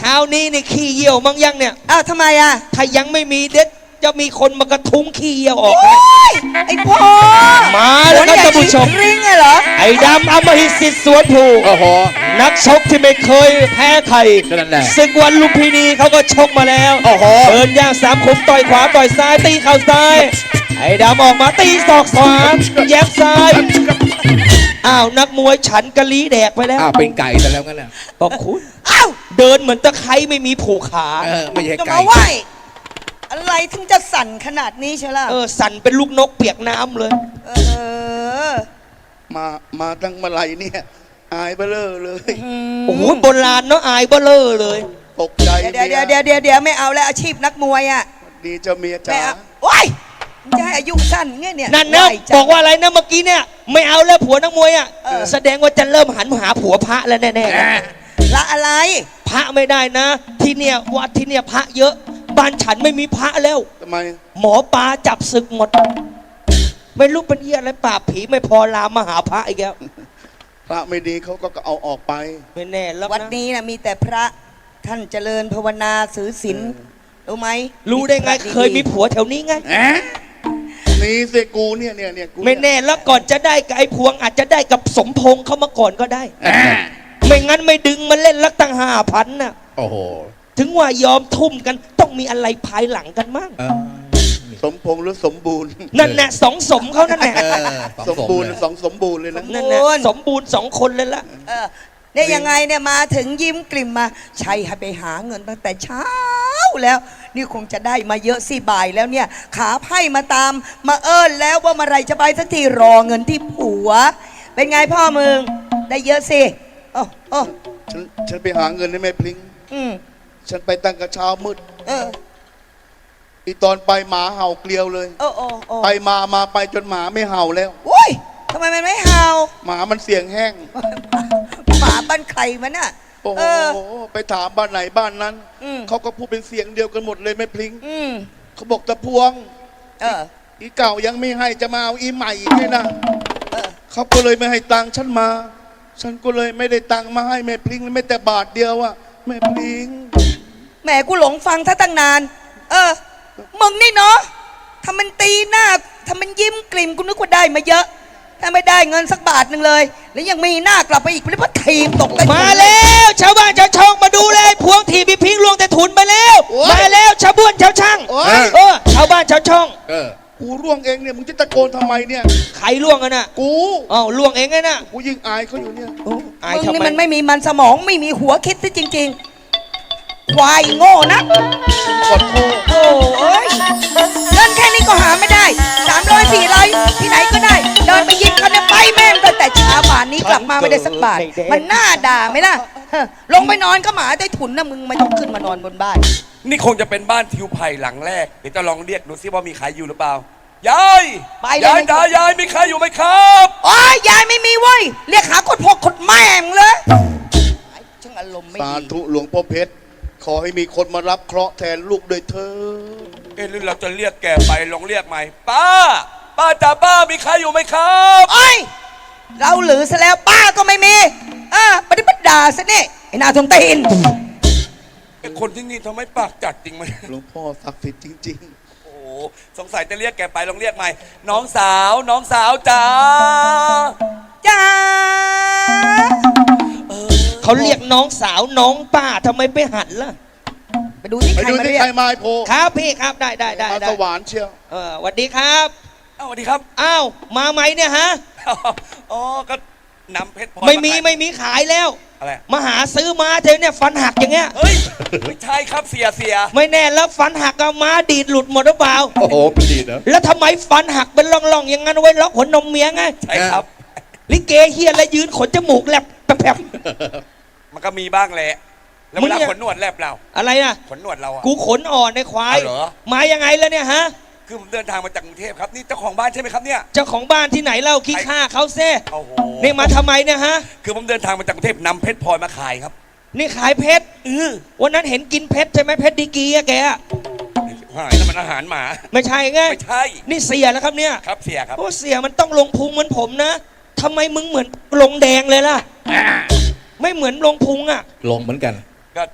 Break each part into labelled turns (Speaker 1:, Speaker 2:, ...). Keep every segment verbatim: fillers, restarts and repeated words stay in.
Speaker 1: ช้านี้นี่ขี้เยี่ยวมั้งยังเนี่ย
Speaker 2: อ้าวทำไมอ่ะ
Speaker 1: ถ้ายังไม่มีเด็ดจะมีคนมากระทุ้งขี้เยี่ยวออก
Speaker 2: ไอ้พ่อ
Speaker 1: มาแล้วครับท่านผู้ชม
Speaker 2: ริงไงเหรอ
Speaker 1: ไอ้ดำอมหิตสิทธิ์สวนภูโอ้โหนักชกที่ไม่เคยแพ้ใครศึกวันลุมพินีเขาก็ชกมาแล้วโอ้โหเดินย่างสามขุมต่อยขวาต่อยซ้ายตีเข่าซ้ายไอ้ดำออกมาตีศอกขวาแย้มซ้ายอ้าวนักมวยฉันกะลีแดกไปแล้ว
Speaker 3: อ้าวเป็นไก่แต่แล้วงั้นน่ะ
Speaker 1: บอกคุณอ้าวเดินเหมือนตะไคร้ไม่มีผูกขา
Speaker 3: เออไม่ใช่ไก่
Speaker 2: อะไรถึงจะสั่นขนาดนี้เชียวล่ะ
Speaker 1: เออสั่นเป็นลูกนกเปียกน้ำเลยเอ
Speaker 4: อมามาตั้งมาไหลเนี่ยอายเบลอเลย
Speaker 1: โอ้โหโบราณเนาะอายเบลอเลย
Speaker 4: ตกใจ
Speaker 2: เดี๋ยวเดี๋ยวเดี๋ยวเดี๋ยวเดี๋ยวไม่เอาแล้วอาชีพนักมวยอ่ะ
Speaker 4: ดีเจ้าเมียจ๋า
Speaker 2: โอ้ยจะให้อายุสั้นไงเนี่ย
Speaker 1: นั่นนะบอกว่าอะไรนะเมื่อกี้เนี่ยไม่เอาแล้วผัวนักมวยอ่ะแสดงว่าจะเริ่มหันมาหาผัวพระแล้วแน่
Speaker 2: ๆละอะไร
Speaker 1: พระไม่ได้นะที่เนี่ยวัดที่เนี่ยพระเยอะบ้านฉันไม่มีพระแล้ว
Speaker 4: ทำไม
Speaker 1: หมอปลาจับศึกหมดไม่รู้เป็นเหี้ยอะไรปราบผีไม่พอลามมาหาพระอีกแล้ว
Speaker 4: พระไม่ดีเขาก็เอาออกไป
Speaker 1: ไม่แน่แล้ว
Speaker 2: วัดนี้นะมีแต่พระท่านเจริญภาวนาถือศีลรู้ไหม
Speaker 1: รู้ได้ไงเคยมีผัวแถวนี้ไง
Speaker 4: นี่เสกูเนี่ยเนี่ยเนี่ย
Speaker 1: ไม่แน่แล้วก่อนจะได้กับไอ้พวงอาจจะได้กับสมพงษ์เขามาก่อนก็ได้ไม่งั้นไม่ดึงมาเล่นลักตั้งห้าพันน่ะ
Speaker 3: โอ้โห
Speaker 1: ถึงว่ายอมทุ่มกันต้องมีอะไรภายหลังกันมั่ง
Speaker 4: สมพงษ์หรือสมบูรณ์
Speaker 1: นั่นแหละสองสมเขานั่นแหละ
Speaker 4: สมบูรณ์สองสมบูรณ์เลยนะ
Speaker 1: นั่นแหละสมบูรณ์สองคนเลยละ
Speaker 2: เนี่ยยังไงเนี่ยมาถึงยิ้มกลิ่มมาใช่ให้ไปหาเงินตั้งแต่เช้าแล้วนี่คงจะได้มาเยอะสิบ่ายแล้วเนี่ยขาไพ่มาตามมาเอิญแล้วว่าเมื่อไรจะไปสักทีรอเงินที่ผัวเป็นไงพ่อมึงได้เยอะสิโอ้โอ้
Speaker 4: ฉันฉันไปหาเงินให้แม่พลิงอืมฉันไปตั้งกระเช้ามืดเอออีตอนไปหมาเห่าเกลียวเลยโอ้โอ้ไปมามาไปจนหมาไม่เห่าแล้ว
Speaker 2: โอ้ยทำไมมันไม่เห่า
Speaker 4: หมามันเสียงแห้ง
Speaker 2: หมาบ้านใครมันน่ะ
Speaker 4: โอ้โหไปถามบ้านไหนบ้านนั้นเขาก็พูดเป็นเสียงเดียวกันหมดเลยแม่พลิงเขาบอกตะพวงเอออีเก่ายังไม่ให้จะมาเอาอีใหม่อีกไงนะเขาก็เลยไม่ให้ตังค์ฉันมาฉันก็เลยไม่ได้ตังค์มาให้แม่พลิงไม่แต่บาทเดียวอะแม่พลิง
Speaker 2: แหมกูหลงฟังท่าตั้งนานเออมึงนี่เนาะทำมันตีหน้าทำมันยิ้มกลิ่มกูนึกว่าได้มาเยอะถ้าไม่ได้เงินสักบาทหนึ่งเลยแล้วยังมีหน้ากลับไปอีกเพราะทีมตก
Speaker 1: มาแล้วชาวบ้านชาวช่องมาดูเลยพวงทีพี่พิงลวงแต่ถุนไปแล้วมาแล้วชาวบ้านชาวช่างเออชาวบ้านชาวช่อง
Speaker 4: กูร่วงเองเนี่ยมึงจะตะโกนทำไมเนี่ย
Speaker 1: ใครล่วงกันน่ะ
Speaker 4: กู
Speaker 1: อ้าวล่วงเองไงน่ะ
Speaker 4: กูยิ่งอายเขาอยู่เนี่ย
Speaker 2: มึงนี่มันไม่มีมันสมองไม่มีหัวคิดซิจริงๆควายโง่นะ
Speaker 4: ขอโทษ
Speaker 2: โอ้ยเงินแค่นี้ก็หาไม่ได้สามร้อยสี่ร้อยที่ไหนก็ได้เดินไปยิงเขาเนี่ยไปแม่งตั้งแต่เช้าป่านนี้กลับมาไม่ได้สักบาทมันน่าด่าไหมล่ะลงไปนอนก็หมาได้ถุนนะมึงไม่ต้องขึ้นมานอนบนบ้าน
Speaker 5: นี่คงจะเป็นบ้านทิวไผ่หลังแรกเดี๋ยวจะลองเรียกดูซิว่ามีใครอยู่หรือเปล่ายายยายจ๋ายายมีใครอยู่ไหมครับ
Speaker 2: โอ้ยยายไม่มีเว้ยเรียกหาคนพกคนแม่งเลยช่างอารมณ์ไม่ดี
Speaker 4: สาธุหลวงพ่อเพชรขอให้มีคนมารับเคราะห์แทนลูกโดยเธอ
Speaker 5: เอ๊ะหรือเราจะเรียกแกไปลองเรียกใหม่ป้าป้าจ๋าป้ามีใครอยู่ไหมครับ
Speaker 2: โอ้ยเราหรือซะแล้วป้าก็ไม่มีอ่าปฏิบัติด่าซะนี่ไอ้นาทงตีน
Speaker 5: ไอ้คนที่นี่ทำไมปากจัดจริงไหม
Speaker 4: หลวงพ่อศักดิ์สิทธิ์จริง
Speaker 5: ๆโอ้สงสัยจะเรียกแกไปลองเรียกใหม่น้องสาวน้องสาวจ๋า
Speaker 2: จ๋า
Speaker 1: เขาเรียกน้องสาวน้องป้าทำไมไปหันล่ะ
Speaker 2: ไปดูที่ใครมาเรียก
Speaker 4: ใครมาโผล่
Speaker 1: ครับพี่ครับได้ได้ได้
Speaker 4: สวรรค์เชียว
Speaker 1: เออสวัสดีครับ
Speaker 5: อ้าวสวัสดีครับ
Speaker 1: อ้าวมาไหมเนี่ยฮะ
Speaker 5: อ๋อก็นำเพชรพล
Speaker 1: อยไม่มีไม่มีขายแล้ว
Speaker 5: อะไร
Speaker 1: มาหาซื้อมาเธอเนี่ยฟันหักอย่างเงี้ย
Speaker 5: เฮ้ยไม่ใช่ครับเสียเสีย
Speaker 1: ไม่แน่แล้วฟันหักก็มาดีดหลุดหมดหรือเปล่า
Speaker 3: โอ้โหดีดนะ
Speaker 1: แล้วทำไมฟันหักเป็นร่องๆอย่างงั้นไว้ล็อกหัวนมเมียไง
Speaker 5: ใช่ครับ
Speaker 1: ลิเกเฮียแล้วยืนขนจมูกแลบแผลบ
Speaker 5: มันก็มีบ้างแหละแล้วเวลาขนหนวดแลบเรา
Speaker 1: อะไรนะ
Speaker 5: ขนหนวดเราอ่ะ
Speaker 1: กูขนอ่อนในควายมายังไงแล้วเนี่ยฮะ
Speaker 5: คือผมเดินทางมาจากกรุงเทพครับนี่เจ้าของบ้านใช่ไหมครับเนี่ย
Speaker 1: เจ้าของบ้านที่ไหนเล่าขี้ข้าเขาเซ่
Speaker 5: โอ้โห
Speaker 1: นี่มาทำไมเนี่ยฮะ
Speaker 5: คือผมเดินทางมาจากกรุงเทพนำเพชรพลอยมาขายครับ
Speaker 1: นี่ขายเพชรเออวันนั้นเห็นกินเพชรใช่ไหมเพชรดีกีอะแก
Speaker 5: หายนั่นมันอาหารหมา
Speaker 1: ไม่ใช่ไง
Speaker 5: ไม่ใช่
Speaker 1: นี่เสียแล้วครับเนี่ย
Speaker 5: ครับเสียครับ
Speaker 1: โอ้เสียมันต้องลงพุงเหมือนผมนะทำไมมึงเหมือนลงแดงเลยล่ะไม่เหมือนลงพุงอะ
Speaker 3: ลงเหมือนกัน
Speaker 5: ก็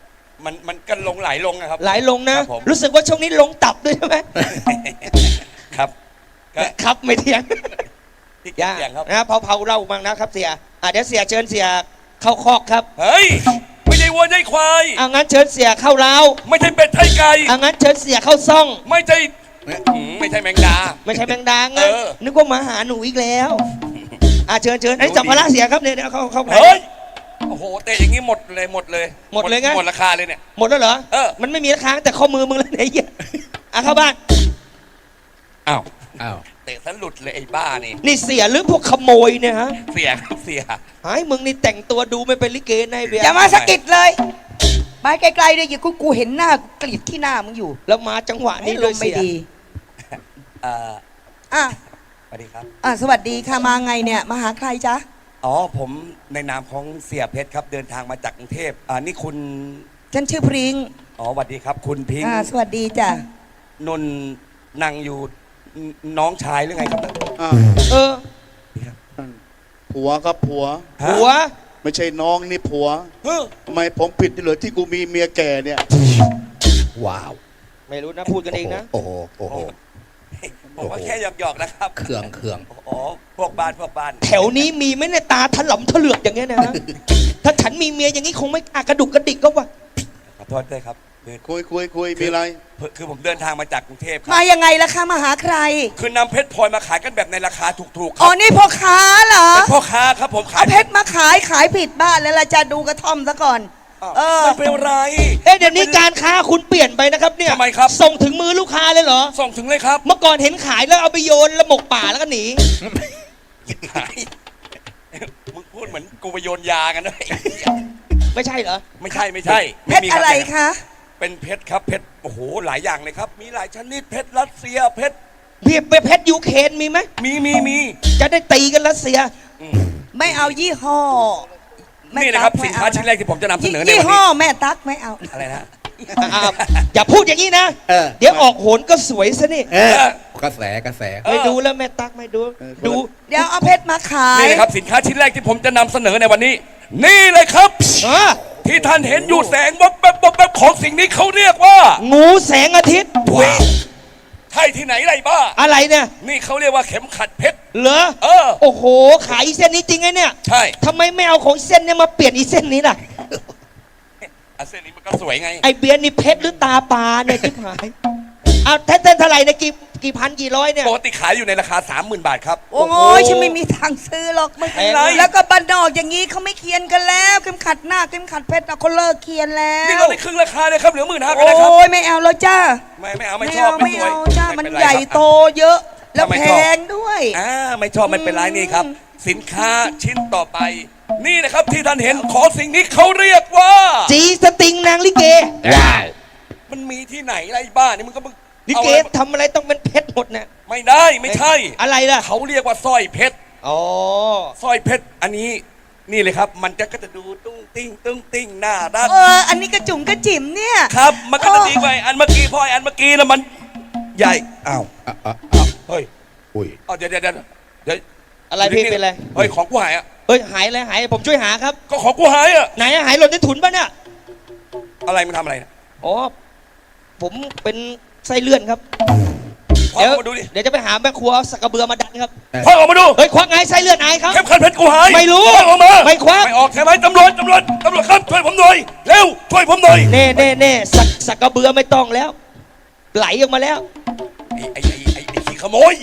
Speaker 5: มันมันก็ลงไหลลงนะครับ
Speaker 1: หลายลงนะ
Speaker 5: ครับผม
Speaker 1: รู้สึกว่าช่วงนี้ลงตับด้วยใช่ไหม
Speaker 5: ครับก็
Speaker 1: ครับไม่เถียง
Speaker 5: ที่
Speaker 1: อย่า
Speaker 5: เกียงครับ
Speaker 1: นะเผาเผาๆเล่าบ้างนะครับเสียอ่ะเดี๋ยวเสียเชิญเสียเข้าคอกครับ
Speaker 5: เฮ้ยไม่ใช่วัวใช่ควาย
Speaker 1: อ่ะงั้นเชิญเสียเข้าเล้า
Speaker 5: ไม่ใช่เป็ดไทยไก่
Speaker 1: อ่ะงั้นเชิญเสียเข้าซ่อง
Speaker 5: ไม่ใช่อืมไม่ใช่แมงดา
Speaker 1: ไม่ใช่แมงดางั้น
Speaker 5: เออ
Speaker 1: นึกว่ามาหาหนูอีกแล้วอ่ะเชิญเชิญไอ้จับพละเสียครับเนี่ยเดี๋ยวเข้าเข้าไป
Speaker 5: เฮ้ยโอ้โหเตะอย่างนี้หมดเลยหมดเลย
Speaker 1: หมดเลยไง
Speaker 5: หมดราคาเลยเนี่ย
Speaker 1: หมดแล้วเหรอ
Speaker 5: เออ
Speaker 1: มันไม่มีค้างแต่ข้อมือมึงแล้วไหนเหี้ยอ่ะเข้าบ้าน
Speaker 5: อ้าว
Speaker 3: อ้าว
Speaker 5: เตะสลุดเลยไอ้บ้านี่
Speaker 1: นี่เสียหรือพวกขโมยเนี่ยฮะ
Speaker 5: เสียครับเสีย
Speaker 1: หายมึงนี่แต่งตัวดูไม่เป็นลิเกนายเบียร์
Speaker 2: อย่ามาสะกิดเลยไปไกลๆเลยอย่ากูกูเห็นหน้ากูกรีดที่หน้ามึงอยู่
Speaker 1: แล้วมาจังหวะนี้
Speaker 2: นี่
Speaker 1: เล
Speaker 2: ล
Speaker 1: ย
Speaker 2: มไม่
Speaker 1: เสีย
Speaker 2: ดี
Speaker 5: เอ่อ
Speaker 2: อ่ะ
Speaker 5: สวัสดีครับ
Speaker 2: อ่ะสวัสดีค่ะมาไงเนี่ยมาหาใครจ๊ะ
Speaker 5: อ๋อผมในนามของเสียเพชรครับเดินทางมาจากกรุงเทพอ่านี่คุณ
Speaker 2: ฉันชื่อพริง
Speaker 5: อ๋อสวัสดีครับ คุณพิงค์
Speaker 2: อ่าสวัสดีจ้ะ
Speaker 5: นนท์นั่งอยู่นน้องชายหรือไงครับ
Speaker 4: อ่า
Speaker 1: เออ
Speaker 4: ผัวครับผัว
Speaker 5: ฮะ
Speaker 1: หัว
Speaker 4: ไม่ใช่น้องนี่ผัว
Speaker 5: เฮ้อ
Speaker 4: ทำไมผมผิดที่เหลือที่กูมีเมียแก่เนี่ย
Speaker 3: ว้าว
Speaker 1: ไม่รู้นะพูดกันเองนะ
Speaker 3: โอ้โหโอ้โห
Speaker 5: ผมว่าแค่หยอกๆนะครับ
Speaker 3: เครื่องเครื่อง
Speaker 5: อ๋อพวกบ้านพวกบ้าน
Speaker 1: แถวนี้มีไหมเนี่ยตาถลำถลือกอย่างเงี้ยนะฮะ ถ้าฉันมีเมียอย่างนี้คงไม่อากระดุกกระดิกก็ว่า
Speaker 5: ขอโทษด้วยครับคือ
Speaker 4: คุยคุยคุยมีอะไร
Speaker 5: คือผมเดินทางมาจากกรุงเทพค
Speaker 2: มา
Speaker 5: รับ
Speaker 2: ยังไงล่ะคะมาหาใคร
Speaker 5: คือนำเพชรพลอยมาขายกันแบบในราคาถูกๆค
Speaker 2: อ๋
Speaker 5: รั
Speaker 2: อบ นี่พ่อค้าเหรอ
Speaker 5: เป็นพ่อค้าครับผมขาย
Speaker 2: เอาเพชรมาขายขายผิดบ้านแล้วล่ะจะดูกระท่อมซะก่อน เออ
Speaker 5: ไม่เป็นไร
Speaker 1: เอ๊ะเดี๋ยวนี้การค้าคุณเปลี่ยนไปนะครับเนี่ย
Speaker 5: ทำไมครับ
Speaker 1: ส่งถึงมือลูกค้าเลยเหรอ
Speaker 5: ส่งถึงเลยครับ
Speaker 1: เมื่อก่อนเห็นขายแล้วเอาไปโยนแล้วหมกป่าแล้วก็หนี
Speaker 5: ขายมึงพูดเหมือนกูไปโยนยากันด้วย
Speaker 1: ไม่ใช่เหรอ
Speaker 5: ไม่ใช่ไม่ใช่
Speaker 2: เพ
Speaker 5: ไม่
Speaker 2: ชร
Speaker 5: มี
Speaker 2: อะไร
Speaker 5: บ
Speaker 2: คะ
Speaker 5: เป็นเพชรครับเพชรโอ้โหหลายอย่างเลยครับ มีหลายชนิดเพชรรัสเซียเพชร
Speaker 1: เพียบไปเพชรยูเคนมีไหม
Speaker 5: มีมีมี
Speaker 1: จะได้ตีกันรัสเซีย
Speaker 5: อืม
Speaker 2: ไม่เอายี่ห้อแม่
Speaker 5: นี่นะครับ
Speaker 2: ตั๊ก
Speaker 5: สิน
Speaker 2: ไม่
Speaker 5: ค้า
Speaker 2: เอ
Speaker 5: ชิ้นแรกที่ผมจะนำเสนอใน
Speaker 2: ยี่
Speaker 5: วัน
Speaker 2: ห้อ
Speaker 5: นี้
Speaker 2: แม่ตั๊กไม่เอา
Speaker 5: อะไรนะ
Speaker 1: อ่าอย่าพูดอย่างนี้นะ
Speaker 3: เออ
Speaker 1: เดี๋ยวออกโหนก็สวยซะนี่
Speaker 3: เออกระแสกระแส
Speaker 1: ไม่ดูแล้วแม่ตักไม่ดู ดู
Speaker 2: เดี๋ยวเอาเพชรมาขาย
Speaker 5: นี่นะครับสินค้าชิ้นแรกที่ผมจะนำเสนอในวันนี้ นี่เลยครับ
Speaker 1: อ่ะ
Speaker 5: ที่ท่านเห็นอยู่แสงวับแวบวับแวบของสิ่งนี้เขาเรียกว่า
Speaker 1: งูแสงอาทิตย์
Speaker 5: ว้าวใช่ที่ไหนไรบ้า
Speaker 1: อะไรเนี่ย
Speaker 5: นี่เขาเรียกว่าเข็มขัดเพชร
Speaker 1: เหรอ
Speaker 5: เออ
Speaker 1: โอ้โห ขายอีเส้นนี้จริงไงเนี่ย
Speaker 5: ใช่
Speaker 1: ทำไมไม่เอาของเส้นเนี่ยมาเปลี่ยนอีเส้นนี้ล่ะ
Speaker 5: อ่ะเส้นนี้มันก็สวยไง
Speaker 1: ไอเบียร์นี่เพชรหรือตาปลาเนี่ยที่หายเอาแท่นๆเท่าไหร่เนี่ยกี่กี่พันกี่ร้อยเนี่ย
Speaker 5: ปกติขายอยู่ในราคา สามหมื่น บาทครับ
Speaker 2: โอ้ยฉันไม่มีทางซื้อหรอก
Speaker 1: ไม่เป็นไร
Speaker 2: แล้วก็บันดอกอย่างนี้เขาไม่เคียนกันแล้วเข็มขัดหน้าเข็มขัดเพชรเอาเขาเลิกเคียนแล้ว
Speaker 5: นี่เราได้ครึ่งราคาเลยครับเหลือหมื่นห้าก็
Speaker 2: โอ้
Speaker 5: ได้ครับ
Speaker 2: ยไม่เอาแล้วจ้า
Speaker 5: ไม่ไม่เอาไม่
Speaker 2: ไม่
Speaker 5: ชอบ
Speaker 2: เอา
Speaker 5: ไม่
Speaker 2: ไม่
Speaker 5: สวย
Speaker 2: เอาจ้ามัน
Speaker 5: ไเป็ไร
Speaker 2: ใหญ่
Speaker 5: ครับ
Speaker 2: โตเยอะ แล้ว
Speaker 5: ทำไม
Speaker 2: แพ
Speaker 5: ชอบ
Speaker 2: งด้วย
Speaker 5: อ่าไม่ชอบไม่เป็นไรนี่ครับ สินค้าชิ้นต่อไป นี่นะครับที่ท่านเห็นของสิ่งนี้เขาเรียกว่า
Speaker 1: จีสติงนางลิเก
Speaker 3: ว้าว
Speaker 5: มันมีที่ไหนไรบ้านี่มึงก็มึง
Speaker 1: ลิ
Speaker 5: เอา
Speaker 1: เก
Speaker 5: อะไร
Speaker 1: ทำอะไรต้องเป็นเพชรหมดเนี่ย
Speaker 5: ไม่ได้ไม่ใช่
Speaker 1: อะไรล่ะ
Speaker 5: เขาเรียกว่าสร้อยเพชร
Speaker 1: อ๋อ
Speaker 5: สร้อยเพชรอันนี้นี่เลยครับ มันจะก็จะดูตุ้งติ้งตุ้งติ้งน่ารัก
Speaker 2: เออ อันนี้กระจุ๋มกระจิ๋มเนี่ย
Speaker 5: ครับ มันก็จะ
Speaker 2: เออ
Speaker 5: ดีกว่าอันเมื่อกี้พออันเมื่อกี้แล้วมันใหญ่อ้าว
Speaker 3: อ่ะอ่ะอ่ะ
Speaker 5: เฮ้ย
Speaker 3: อุ้ย
Speaker 5: เอาเดี๋ยวเดี๋ยวเดี๋ยวเดี๋ยว
Speaker 1: อะไรพี่เป็นอะไร
Speaker 5: เฮ้ยของกูหายอ่ะ
Speaker 1: เอ้ยหายอะไรหายผมช่วยหาครับ
Speaker 5: ก็ของกูหายอ่ะ
Speaker 1: ไหนอะหายหล่นในถุนปะเนี่ย
Speaker 5: อะไรมันทำอะไรนะ
Speaker 1: อ๋อ ผมเป็นไส้เลื่อนครับ
Speaker 5: ควัก
Speaker 1: เดี๋ยว
Speaker 5: ออกมาดูดิ
Speaker 1: เดี๋ยวจะไปหาแม่ครัวเอาสักกระเบือมาดันครับ
Speaker 5: ควักออกมาดู
Speaker 1: เฮ้ยควักไงไส้เลื่อนไอายครับ
Speaker 5: เข้มขัดเพชรกูหาย
Speaker 1: ไม่รู้
Speaker 5: ควักออกมา
Speaker 1: ไม่ควัก
Speaker 5: ไม่ออกใช่ไหมตำรวจตำรวจตำรวจครับช่วยผมหน่อยเร็วช่วยผมหน่อย
Speaker 1: เน่เน่เน่สักสักกระเบือไม่ต้องแล้ว ไหลออกมาแล้ว
Speaker 5: ไอ้ไอ้ไอ้ไอ้ไอ้ขี้ขโมย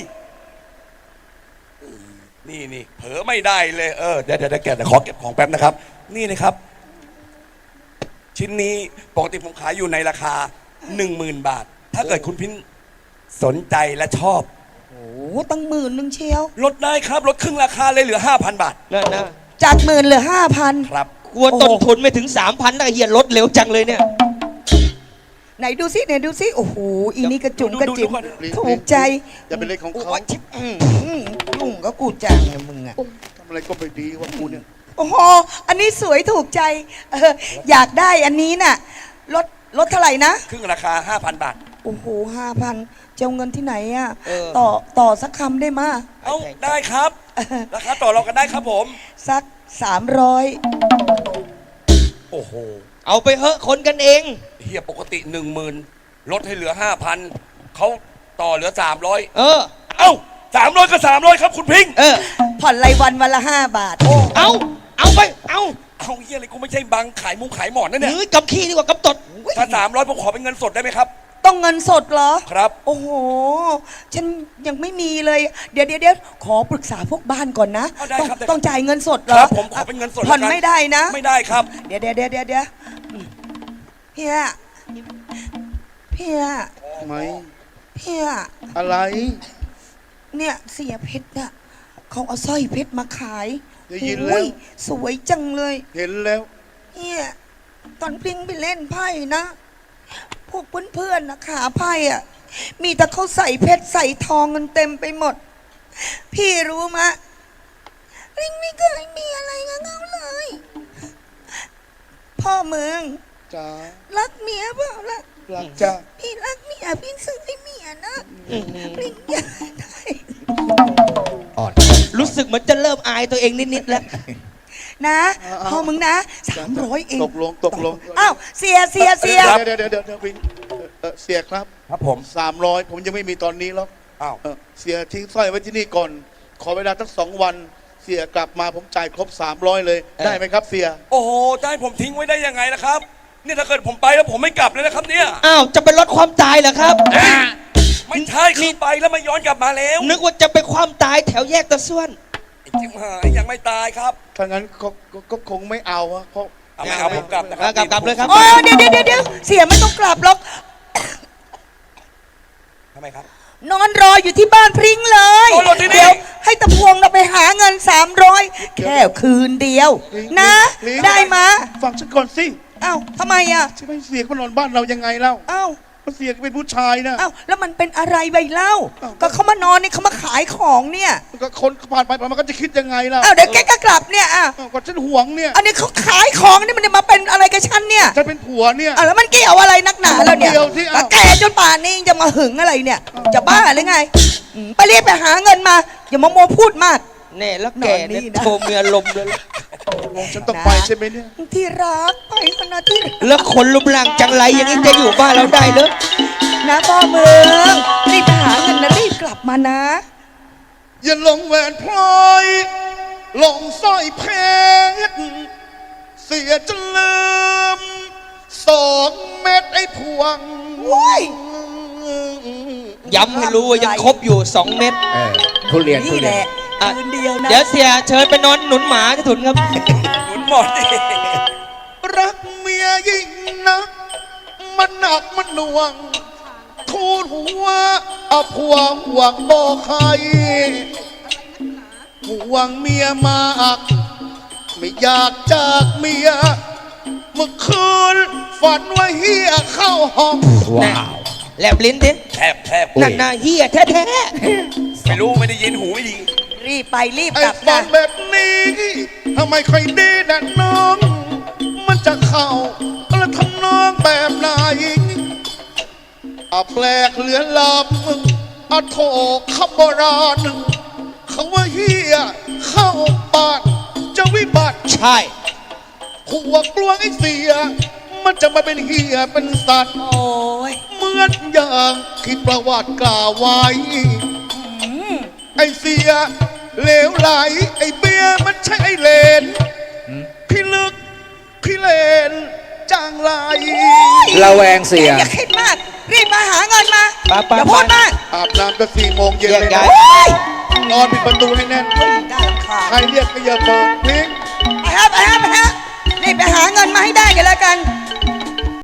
Speaker 5: นี่นี่เผลอไม่ได้เลยเออเดี๋ยวเดี๋ยวเดี๋ยวแกเดี๋ยวขอเก็บของแป๊บนะครับ นี่นะครับ ชิ้นนี้ปกติผมขายอยู่ในราคาหนึ่งหมื่นบาท ถ้าเกิดคุณพินสนใจและชอบ
Speaker 2: โอ้ตั้งหมื่นหนึ่งเชียว
Speaker 5: ลดได้ครับลดครึ่งราคาเลยเหลือห้าพันบาท
Speaker 1: นั่นนะ
Speaker 2: จากหมื่นเหลือห้าพัน
Speaker 5: ครับ
Speaker 1: กลัวต้นทุนไม่ถึงสามพันแล้วเฮียลดเร็วจังเลยเนี่ย
Speaker 2: ไหนดูซิไหนดูซิโอ้โหอีนี่กระจุ๋ม
Speaker 5: ดู
Speaker 2: กระ
Speaker 5: ดู
Speaker 2: จิ๋ม
Speaker 5: ดูก่อน
Speaker 2: ถูกใจ
Speaker 4: อย่าเป็นเรื่องของเขา
Speaker 2: โยชิบอืมอืมลุงก็กูจังเนี่ยมึงอะ
Speaker 4: ทำอะไรก็ไม่ดีว่ากูเนี่ย
Speaker 2: โอ้โหอันนี้สวยถูกใจเอออยากได้อันนี้น่ะลดลดเท่าไหร่นะ
Speaker 5: ครึ่งราคาห้าพันบาท
Speaker 2: โอ้โหห้าพันจะเอาเงินที่ไหนอะ
Speaker 1: เออ
Speaker 2: ต่อต่อสักคำได้มา
Speaker 5: เอ้าได้ครับ ราคาต่อรองกันได้ครับผม
Speaker 2: สักสามร้อย
Speaker 5: โอ้โห
Speaker 1: เอาไปเหอะคนกันเอง
Speaker 5: เฮียปกติหนึ่งหมื่นลดให้เหลือห้าพันเขาต่อเหลือสามร้อย
Speaker 1: เออ
Speaker 5: เอ้าสามร้อยก็สามร้อยครับคุณพิงค์
Speaker 1: เออ
Speaker 2: ผ่อนรายวันวันละห้าบาท
Speaker 1: เอาเอาไปเอา
Speaker 5: เอาเฮียอะไรกูไม่ใช่บังขายมุ้งขายหมอนนะเนี่ย
Speaker 1: หรือกำขี้ดีกว่ากำตด
Speaker 5: ถ้าสามร้อยผมขอเป็นเงินสดได้ไหมครับ
Speaker 2: ต้องเงินสดเหรอ
Speaker 5: ครับ
Speaker 2: โอ้โห ฉันยังไม่มีเลย เดี๋ยวเดี๋ยวเดี๋ยวขอปรึกษาพวกบ้านก่อนนะ
Speaker 5: เอาได้
Speaker 2: ต้อง
Speaker 5: ครับได้
Speaker 2: ต้องจ่ายเงินสดเหร
Speaker 5: ค
Speaker 2: อ
Speaker 5: รับผมขอเป็นเงินสด
Speaker 2: ผ่อน
Speaker 5: แล้วกัน
Speaker 2: ไม่ได้นะ
Speaker 5: ไม่ได้ครับ
Speaker 2: เดี๋ยวเดี๋ยวเดี๋ยวเดี๋ยวเดี๋ยวอืมเพียเพีย
Speaker 4: ไหม
Speaker 2: เพีย
Speaker 4: อะไร
Speaker 2: เนี่ยเสียเพชรอะเขาเอาสร้อยเพชรมาขาย
Speaker 4: ได้ยินแล้ว
Speaker 2: โอ้สวยจังเลย
Speaker 4: เห็นแล้ว
Speaker 2: เนี่ยตอนพริ้งไปเล่นไพ่นะ พวกเพื่อนๆนะขาไพ่อะมีแต่เขาใส่เพชรใส่ทองกันเต็มไปหมด พี่รู้มะพริ้งไม่เคยมีอะไรกับเขาเลย พ่อมึง
Speaker 4: จ้า
Speaker 2: รักเมียเปล่าล่ะ
Speaker 4: รักจ้า
Speaker 2: พี่รักเมียพี่ซื้อให้เมียนะพริ้งอยากได้
Speaker 3: อ่อน
Speaker 1: รู้สึกเหมือนจะเริ่มอายตัวเองนิดๆแล้ว
Speaker 2: นะพ่อมึงนะสามร้อยเอง
Speaker 4: ตกลงตกลง
Speaker 2: อ้าวเสียเสียเสีย
Speaker 4: เดี๋ยวเดี๋ยวเดี๋ยวเดี๋ยววินเอ่อเสียครับ
Speaker 5: ครับผม
Speaker 4: สามร้อยผมยังไม่มีตอนนี้หรอก
Speaker 5: อ้าว
Speaker 4: เอ่อเสียทิ้งสร้อยไว้ที่นี่ก่อน ขอเวลาสักสองวัน เสียกลับมาผมจ่ายครบสามร้อยเลย
Speaker 1: เออ
Speaker 4: ได้ไหมครับเสีย
Speaker 5: โอ้โหจะให้ผมทิ้งไว้ได้ยังไงล่ะครับเนี่ยถ้าเกิดผมไปแล้วผมไม่กลับเลยนะครับเนี่ย
Speaker 1: อ้าวจะไปลดความตายเหรอครับ
Speaker 5: ไม่ใช่คือไปแล้วไม่ย้อนกลับมาแล้ว
Speaker 1: นึกว่าจะไปความตายแถวแยกตะส่วน
Speaker 5: ไอ้จิมหายยังไม่ตายครับ
Speaker 4: ถ้างั้นก็ก็ก็คงไม่เอาอะเพราะ
Speaker 5: เอาไม่เอาผมกลับนะครั
Speaker 1: เอากลับกลับเลยครับ
Speaker 2: โอ้เดี๋ยวเดี๋ยวเดี๋ยวเดี๋ยวเสียไม่ต้องกลับหรอก
Speaker 5: ทำไมครับ
Speaker 2: นอนรออยู่ที่บ้านพริ้งเลย
Speaker 5: นอนรอที่นี่
Speaker 2: เดี๋ยวให้ตะพวงเราไปหาเงินสามร้อยแค่คืนเดียว นะ
Speaker 4: ลิง
Speaker 2: ได้มา
Speaker 4: ฟังฉันก่อนสิ
Speaker 2: เอ้าทำไมอ่ะ
Speaker 4: จะไม่เสียก็นอนบ้านเรายังไงเล่า
Speaker 2: เอ้า
Speaker 4: มันเสียก็เป็นผู้ชายนะ
Speaker 2: เอ้าแล้วมันเป็นอะไรใบเล่า
Speaker 4: เอ้า
Speaker 2: ก็เขามานอนนี่เขามาขายของเนี่ย
Speaker 4: มันก็คนผ่านไปผ่านมาก็จะคิดยังไงล่ะ
Speaker 2: เอ้าเดี๋ยวแกก็กลับเนี่ยอ่ะ
Speaker 4: เอ้าก็ฉันห่วงเนี่ย
Speaker 2: อันนี้เขาขายของนี่มันจะมาเป็นอะไรกับฉันเนี่ย
Speaker 4: ฉันเป็นผัวเนี่ย
Speaker 2: อ่ะแล้วมันเกี่ยวอะไรนักหนาแล้วเนี่ย
Speaker 4: เกี่ยวสิเอ้า
Speaker 2: แล้วแกจนป่านนี้ยังจะมาหึงอะไรเนี่ย จะบ้าหรือไงอืมไปรีบไปหาเงินมา อย่ามาโมวพูดมาก
Speaker 1: แน่แล้วแก
Speaker 2: นอนนี่
Speaker 1: เนี่ย
Speaker 2: นะ
Speaker 1: โทรมีอารมณ์เลย
Speaker 4: ฉันต้องไปใช่ไหมเนี่ย
Speaker 2: ที่รักไปเถอะนะที่รัก
Speaker 1: แล้วคนลุมลังจังไรอย่างนี้จะอยู่บ้านเราได้เลย
Speaker 2: นะพ่อเมืองรีบไปหาเงินนะรีบกลับมานะ
Speaker 4: อย่าลงแหวนพลอยลงสร้อยเพชรเสียจนลืมสองเม็ดไอ้พวง
Speaker 2: โอ้ย
Speaker 1: ย้ำให้รู้ว่ายังครบอยู่สองเม็ด
Speaker 3: เออทุเรียนทุ
Speaker 2: นี่
Speaker 3: เรี
Speaker 2: แห
Speaker 3: ยน
Speaker 2: ละ
Speaker 1: อ่ะ
Speaker 2: คืนเดียวนะ
Speaker 1: เดี๋ยวเสียเชิญไปนอนหนุนหมาที่ถุนครับ
Speaker 5: หนุนหมดดิ
Speaker 4: รักเมียยิ่งนัก มันหนักมันหน่วง ทูลหัวเอาพวงห่วงบอกใครห่วงเมียมากไม่อยากจากเมีย เมื่อคืนฝันว่าเฮียเข้าห้อง
Speaker 3: ว้าว
Speaker 1: แลบลิ้นดิ
Speaker 5: แทบแทบ
Speaker 1: นั่นน่ะเฮียแท้
Speaker 5: ไม่รู้ไม่ได้ยินหูไม่ดี
Speaker 2: รีบไปรีบ
Speaker 4: ไอ้
Speaker 2: กลับ
Speaker 4: ฝั
Speaker 2: นะ
Speaker 4: นแบบนี้ทำไมค่อยดีนะน้อง มันจะเข้าแล้วทำน้องแบบไหนอาแปลกเหลือลำอาโถขบโบราณเขาว่าเฮียเข้าบ้านจะวิบัติ
Speaker 1: ๆ ใช่
Speaker 4: หัวกลวงไอ้เสีย มันจะมาเป็นเฮียเป็นสัตว์
Speaker 2: โอ้ย
Speaker 4: เหมือนอย่างที่ประวัติกล่าวไว้ ไอ้เสียเหลวไหล ไอ้เบียร์มันใช่ไอ้เลน พี่ลึก พี่เลนจางไหล
Speaker 3: ระแวงเสีย
Speaker 2: อย่าคิดมาก รีบมาหาเงินมา
Speaker 1: ไปไป
Speaker 2: อย่าพูด
Speaker 1: ไป
Speaker 2: มาก
Speaker 4: อาบน้ำก็สี่โมงเย็น
Speaker 1: แยก
Speaker 4: เลย
Speaker 1: ย้า
Speaker 4: นะ
Speaker 1: ย
Speaker 2: โอ้ย
Speaker 4: นอนปิดประตูให้แน่น
Speaker 2: น่ารำคาญ
Speaker 4: ใครเรียกก็อย่าเปิดพลิง
Speaker 2: ไปฮะไปฮะไปฮะรีบไปหาเงินมาให้ได้กันแล้วกัน